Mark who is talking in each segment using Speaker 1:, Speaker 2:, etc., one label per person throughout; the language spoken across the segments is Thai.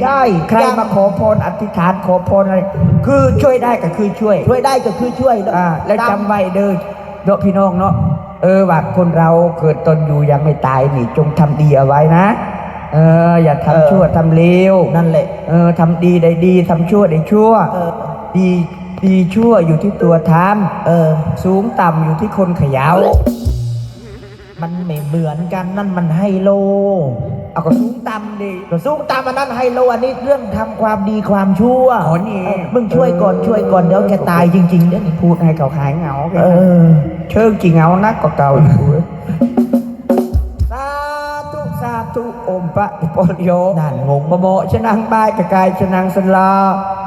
Speaker 1: ใช่
Speaker 2: ใครมาขอพรอธิษฐานขอพรอะไรคือช่วยได้ก็คือช่วย
Speaker 1: ได้ก็คือช่วย
Speaker 2: แล้วจำไว้เด้อพี่น้องเนาะว่าคนเราเกิดตนอยู่ยังไม่ตายนี่จงทำดีเอาไว้นะอย่าทำชั่วทำเลว
Speaker 1: นั่นแหละ
Speaker 2: ทำดีได้ดีทำชั่วได้ชั่วดีชั่วอยู่ที่ตัวทำสูงต่ำอยู่ที่คนเขย่า
Speaker 1: มันไม่เหมือนกันนั่นมันไฮโล
Speaker 2: เอาก็สูงต่ำดิ
Speaker 1: ก็สูงต่ำอันนั้นไฮโลอันนี้เรื่องทำความดีความชั่ว
Speaker 2: นี่
Speaker 1: มึงช่วยก่อนเดี๋ยวแกตายจริงๆเนี่ย
Speaker 2: พูดให้เขาหายเหงาเชิงจริงเหงานักกว่าเก่าสาธุอมปะปนโย
Speaker 1: นั่นงง
Speaker 2: โมชนังบายกายชนังสลา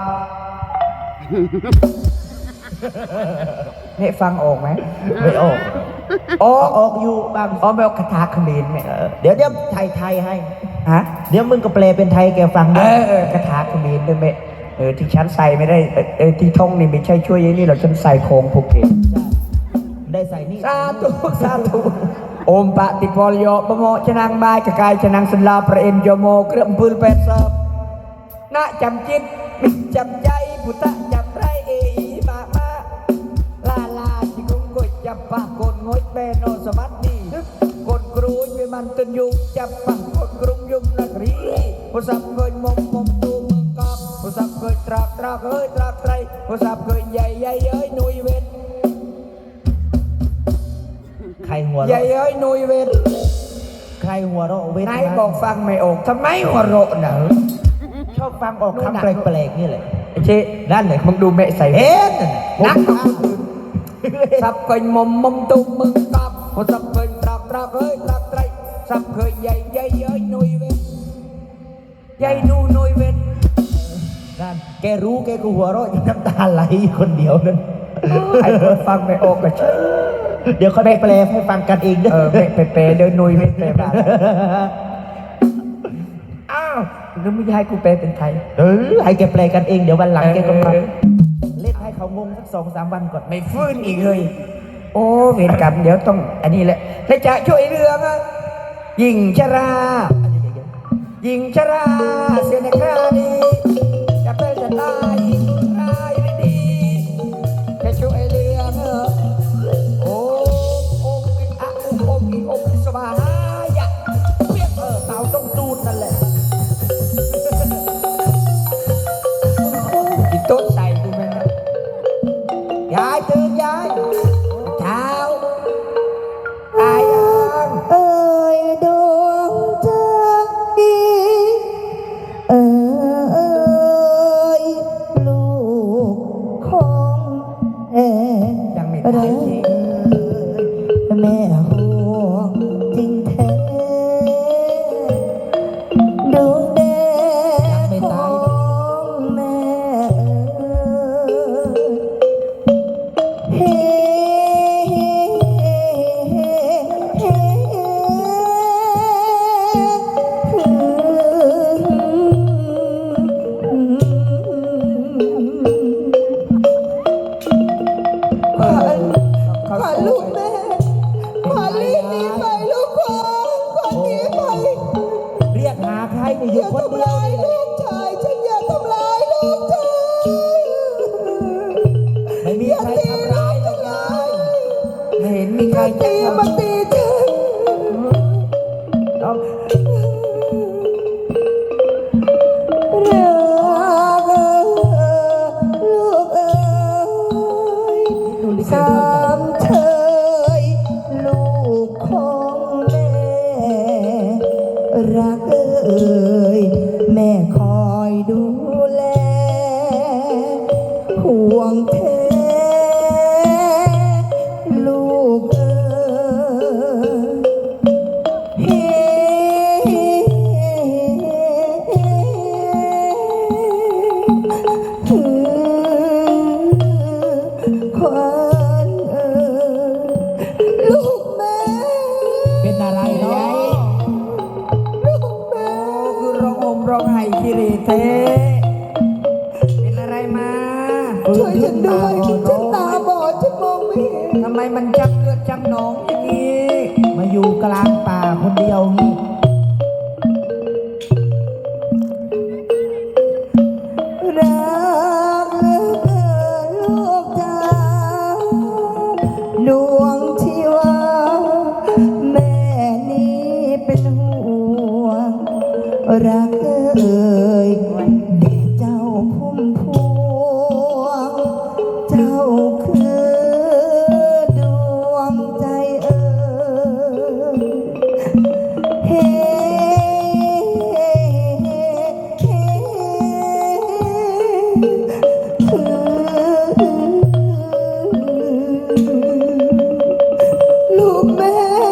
Speaker 2: เนี่ยฟังออกไหม
Speaker 1: ไม่ออก
Speaker 2: ออกอยู่บางไม่ออกคาถาเขมรไหม
Speaker 1: เดี๋ยวไทยให้เดี๋ยวมึงก็แปลเป็นไทยแกฟัง
Speaker 2: ด้วยคาถาเขมรด้วยไหมที่ฉันใส่ไม่ได้ที่ท่องนี่ไม่ใช่ช่วยอย่างนี้หรอกฉันใส่โคงภูเก็ต
Speaker 1: ได้ใส่นี่
Speaker 2: สาธุอมปะติปอลโยบโมชนังบายกายชนังสลาประเอ็นโยโมเครื่องปืนเป็ดเสิร์ฟณจำจิตจำใจพุทธจำไรมาลาจิกงกดจับปะกดงดเบโนสมัตดีกดกรุยไปมันตุนยุงจับปะกดกรุงยุงนักรีผู้สับเคยมมตูมึงกอบผู้สับเคยตราเฮ้ยตราไตรผู้สับเคยใหญ่เอ้ยนุยเวท
Speaker 1: ใครหัว
Speaker 2: ใหญ่เอ้ยนุยเวท
Speaker 1: ใครหัวเราะเวท
Speaker 2: นายบอกฟังไม่ออกทำไมหัวเราะน่ะ
Speaker 1: ชอบฟังออกคำแปลกๆนี่แหละ
Speaker 2: เช่นั่นเลยมึงดูแม่ใส่นักสับเคยมตูมึงกอบผู้สับเคยตราเฮ้ยตราไตรสับเคยใหญ่เอ้ยนุยเวทใหญ่นุยเวท
Speaker 1: นั่นแกรู้แกก็หัวเราะน้ำตาไหลคนเดียวนั่น
Speaker 2: ไอ้คนฟังไม่ออกก็ใช่
Speaker 1: เดี๋ยวเขาแปลให้ฟังกันเองเด้อ
Speaker 2: แปลเดินนุยไม่แปลบ้านอ้าวแล้วไม่ให้กูแปลเป็นไทย
Speaker 1: ให้แกแปลกันเองเดี๋ยววันหลังแกก็มาเล่นให้เขางงสัก2-3 วันก่อน
Speaker 2: ไม่ฟื้นอีกเลยโอ้เวรกรรมเดี๋ยวต้องอันนี้แหละและจะช่วยเรื่องยิงชราเสียในครานี้จะเป็นจะตายดีจะช่วยเรื่องโอ้สบายเปียกเต่าต้องตูดนั่นแหละกินโต๊ะใส่ดูไหมนะยายตื่นยายเช้าตายยัง
Speaker 3: ดวงใจลูกของ
Speaker 2: ยังไม่ตายจริง
Speaker 3: แม่ห่วงจริงแท้ดวงแดงของแม่เฮ้ลูกแม่ขอรีบหนีไปลูกขอหนีไป
Speaker 1: เรียกหาใครนี่อยู่คนเดียว
Speaker 3: ลูกชายฉันอย่าทำร้ายลูกชาย
Speaker 1: ไม่มีใครทำร้ายหรอกยาย
Speaker 2: ไม่เห็นมีใคร
Speaker 3: ตีมันตีฉัน
Speaker 1: เอา
Speaker 3: ลูกสามเชยลูกของแม่รักแม่คอยดูแลห่วงแท้ลูกขวัญลูกแม่
Speaker 1: เป็นอะไรเนาะ
Speaker 3: ลูกแม่
Speaker 2: คือร้องไห้คิริเทเป็นอะไรมา
Speaker 3: ช่วยฉันด้วยฉันตาบอดฉันมองไม่เห็น
Speaker 2: ทำไมมันจับเลือดจับหนองอย่างนี้
Speaker 1: มาอยู่กลางป่าคนเดียวนี่
Speaker 3: รักเอ่ยเด็กเจ้าพุ่มพวงเจ้าคือดวงใจเอ่ยเฮ้ลูกแม่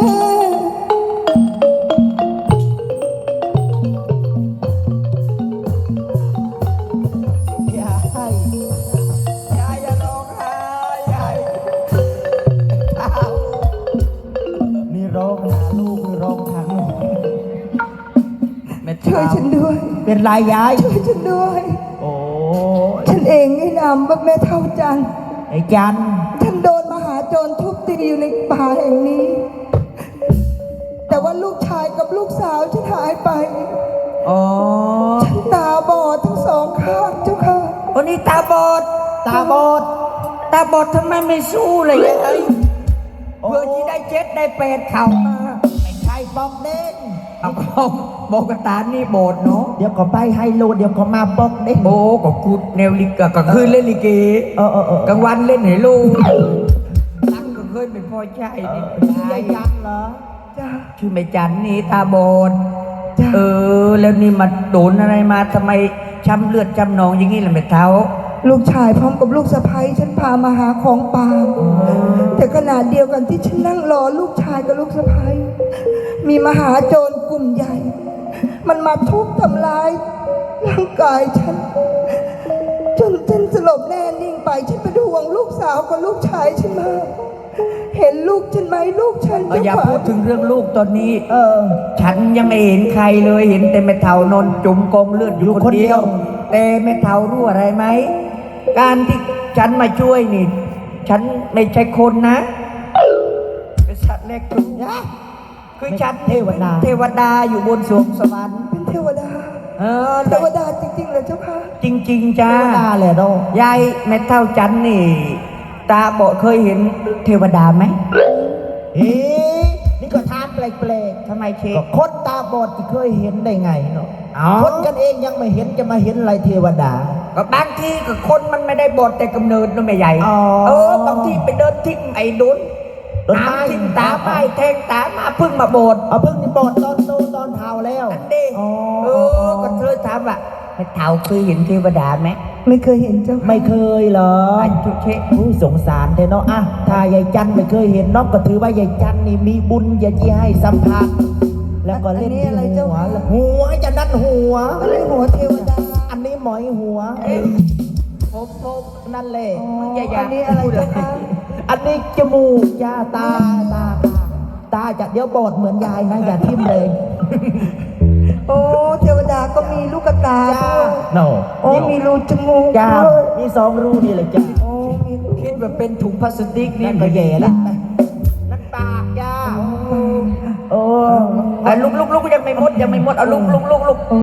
Speaker 2: ยายยายอย่าร้องไห้ยายเท้า
Speaker 1: นี่ร้องหาลูกนี่ร้องทางลูก
Speaker 2: แม่
Speaker 3: ช่วยฉันด้วย
Speaker 1: เป็นไรยาย
Speaker 3: ช่วยฉันด้วย
Speaker 1: โอ้ย
Speaker 3: ฉันเองให้นามว่าแม่เท่าจันทร์
Speaker 1: ไอ้จัน
Speaker 3: ฉันโดนมหาโจรทุบตีอยู่ในป่าแห่งนี้ แต่ว่าลูกชายกับลูกสาวฉันหายไป
Speaker 2: อ๋อ
Speaker 3: ฉันตาบอดทั้งสองข้างเจ้าค่ะ
Speaker 2: วันนี้ตาบอด
Speaker 1: ตาบอด
Speaker 2: ตาบอดทำไมไม่สู้เลยยายเพื่อที่ได้เจ็ดได้แปดเข่ามา
Speaker 1: ไม่ใช่บอกเด้ง
Speaker 2: เอาของบอกกระตานนี่โบดเนาะ
Speaker 1: เดี๋ยวก็ไปไฮโลเดี๋ยวก็มาบอกเด้ง
Speaker 2: โอ้ก็กูแนวลิกก็คืนเล่นลิเก
Speaker 1: เออเออเออก
Speaker 2: ลางวันเล่นไหลูกตั้งก็เคยเป็นพ่อใช่นี่
Speaker 1: ยายจันเหรอ
Speaker 3: จ้า
Speaker 2: ชื่อแม่จันนี่ตาบอด
Speaker 3: จ้า
Speaker 2: แล้วนี่มาโดนอะไรมาทำไมช้ำเลือดช้ำหนองอย่างนี้ล่ะแม่เท้า
Speaker 3: ลูกชายพร้อมกับลูกสะใภ้ฉันพามาหาของป่าแต่ขณะเดียวกันที่ฉันนั่งรอลูกชายกับลูกสะใภ้มีมหาโจรกลุ่มใหญ่ มันมาทุบทำร้ายร่างกายฉัน จนฉันสลบแน่นิ่งไปฉันเป็นห่วงลูกสาวกับลูกชายฉันมากเห็นลูกฉันไหมลูกฉัน
Speaker 2: อย่า
Speaker 3: เจ้ขว
Speaker 2: พูดถึงเรื่องลูกตอนนี้
Speaker 1: เออ
Speaker 2: ฉันยังไม่เห็นใครเลยเห็นแต่แม่เฒ่านอนจุ่มกองเลือดอยู่คนเดียว แต่แม่เฒ่ารู้อะไรไหมการที่ฉันมาช่วยนี่ ฉันไม่ใช่คนนะเป็นสัตว์เล็กทุกอย่างคือฉัน
Speaker 1: เทวดา
Speaker 2: เทวดาอยู่บนสวงสวรรค์
Speaker 3: เป็นเทวดา
Speaker 2: เออ
Speaker 3: เทวดาจริงๆเลยเจ้าค่ะ
Speaker 2: จริง ๆจ้า
Speaker 1: เทวดาเลยเนาะ
Speaker 2: ยายแม่เฒ่าจันนี่ ตาบอดเคยเห็นเทวดาไหม
Speaker 1: เฮ้นี่ก็ทานแปลก
Speaker 2: ทำไมเช
Speaker 1: ๆก็คนตาบอดที่เคยเห็นได้ไงเนาะ
Speaker 2: อ๋อ
Speaker 1: คนกันเองยังไม่เห็นจะมาเห็นอะไรเทวดา
Speaker 2: ก็บางทีก็คนมันไม่ได้บอดแต่กำเนิดนะแม่ใหญ่
Speaker 1: อ๋อ
Speaker 2: บางทีไปเดินทิ้งไอ้ดุน
Speaker 1: ต้นไม้
Speaker 2: น้ำทิ้งตาไม้แทงตามาพึ่งมาบด
Speaker 1: เอาเพิ่งนี่บอดตอนโตตอนเท่าแล้ว
Speaker 2: นั่นดิ
Speaker 1: อ๋อ
Speaker 2: ก็เธอถามว่าแม่เฒ่าเคยเห็นเทวดาไหม
Speaker 3: ไม่เคยเห็นเจ้าค่ะ
Speaker 1: ไม่เคยเหรอ
Speaker 2: อันทุกเชะ
Speaker 1: อุ้ยสงสารเธอเนาะอ่ะถ้ายายจันไม่เคยเห็นเนอกก็ถือว่ายายจันนี่มีบุญอย่าที่ให้สัมผัสแล้วก็เล่นที่หัวแล้วหัวจะนั่นหัว
Speaker 3: ก็เลยหัวเทวดา
Speaker 1: อันนี้หมอยหัว
Speaker 2: ผม
Speaker 1: นั่นแหละ
Speaker 2: อย่า
Speaker 3: อันนี้อะไรเจ้าค่ะ
Speaker 1: อันนี้จมูกยาตาตาจะเดี๋ยวบอดเหมือนยายนะอย่าทิ่มเลย
Speaker 3: โอ้เทวดาก็มีลูกตา
Speaker 1: จ้า
Speaker 3: ด้วย
Speaker 1: โน
Speaker 3: โอ้มีรูจมูก
Speaker 1: จ้า
Speaker 3: ด้วย
Speaker 1: มีสองรูนี่เลยจ้า
Speaker 3: โอ้มีรู
Speaker 2: คิดว่าเป็นถุงพลาสติกนี่
Speaker 1: นั่นก็แย่ละนั่นปากจ้าโอ้
Speaker 2: ลุกยังไม่หมดเอาลุก